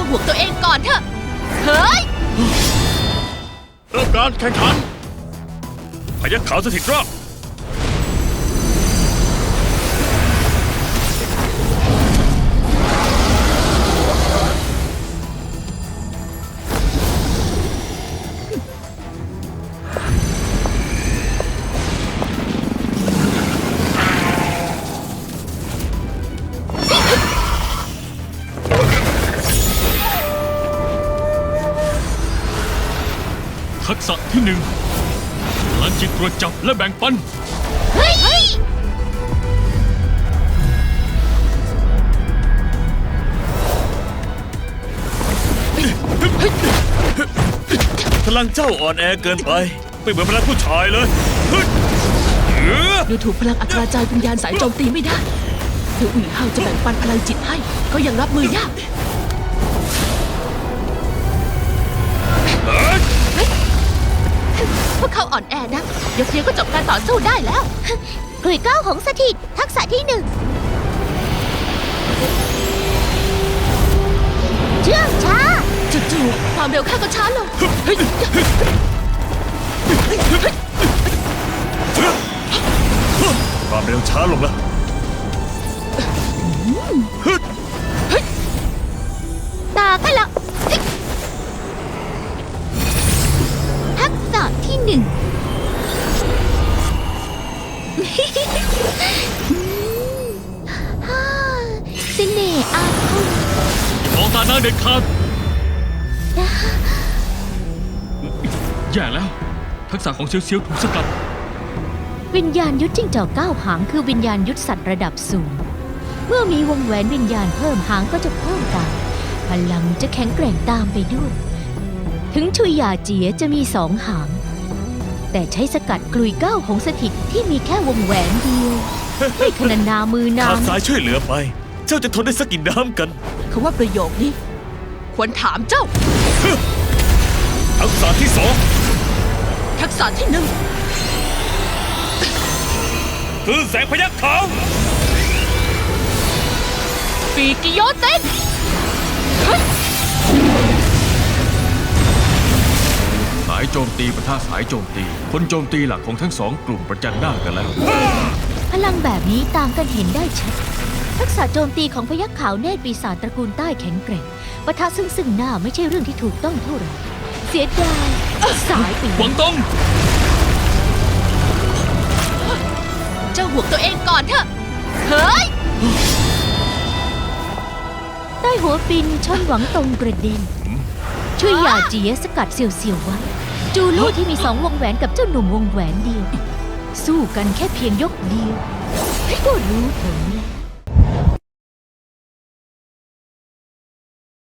ห่วงตัวเองก่อนเถอะเฮ้ยเริ่มการแข่งขันพยัคฆ์ขาวสถิตรอบทักษะที่หนึ่งพลังจิตตรวจจับและแบ่งปันเฮ้ยพลังเจ้าอ่อนแอเกินไปไม่เหมือนพลังผู้ชายเลยดูถูกพลังอัคราจารย์วิญญาณสายโจมตีไม่ได้ถึงอุ๋ยเฮาจะแบ่งปันพลังจิตให้ก็ยังรับมือยากพวกเขาอ่อนแอนะเดี๋ยวเพียงก็จบการต่อสู้ได้แล้วกลุยก้าวของสถิตทักษะที่หนึ่งเชื่องช้าจู่ๆความเร็วข้าก็ช้าลงความเร็วช้าลงแล้วตาข้าละทักษะที่หนึ่งเสน่ห์อาคมมองตาหน้าเด็ดขาดแย่แล้วทักษะของเซียวถูกสกัดวิญญาณยุทธจิ้งจอก9 หางคือวิญญาณยุทธสัตว์ระดับสูงเมื่อมีวงแหวนวิญญาณเพิ่มหางก็จะเพิ่มตามพลังจะแข็งแกร่งตามไปด้วยถึงชุยหยาเจี๋ยจะมี2 หางแต่ใช้สกัดกลุยก้าวของสถิตที่มีแค่วงแหวนเดียวไม่ขนานามือนางขาดสายช่วยเหลือไปเจ้าจะทนได้สักกี่น้ำกันเขาว่าประโยคนี้ควรถามเจ้าทักษะที่2 ทักษะที่หนึ่งคือแสงพยัคฆ์ขาวปีกิโยเต้นสายโจมตีปะทะสายโจมตีคนโจมตีหลักของทั้ง2กลุ่มประจันหน้ากันแล้วพลังแบบนี้ต่างกันเห็นได้ชัดทักษะโจมตีของพยัคฆ์ขาวเนตรปีศาจตระกูลใต้แข็งแกร่งปะทะซึ่งหน้าไม่ใช่เรื่องที่ถูกต้องเท่าไหร่เสียดายสายปีหวังตงเจ้าห่วงตัวเองก่อนเถอะเฮ้ยใต้หัวปินชนหวังตรงกระเด็นช่วยหยาเจี๋ยสกัดเสี่ยวๆไว้จูลู่ที่มี2 วงแหวนกับเจ้าหนุ่มวงแหวนเดียวสู้กันแค่เพียงยกเดียวก็รู้ผลแล้ว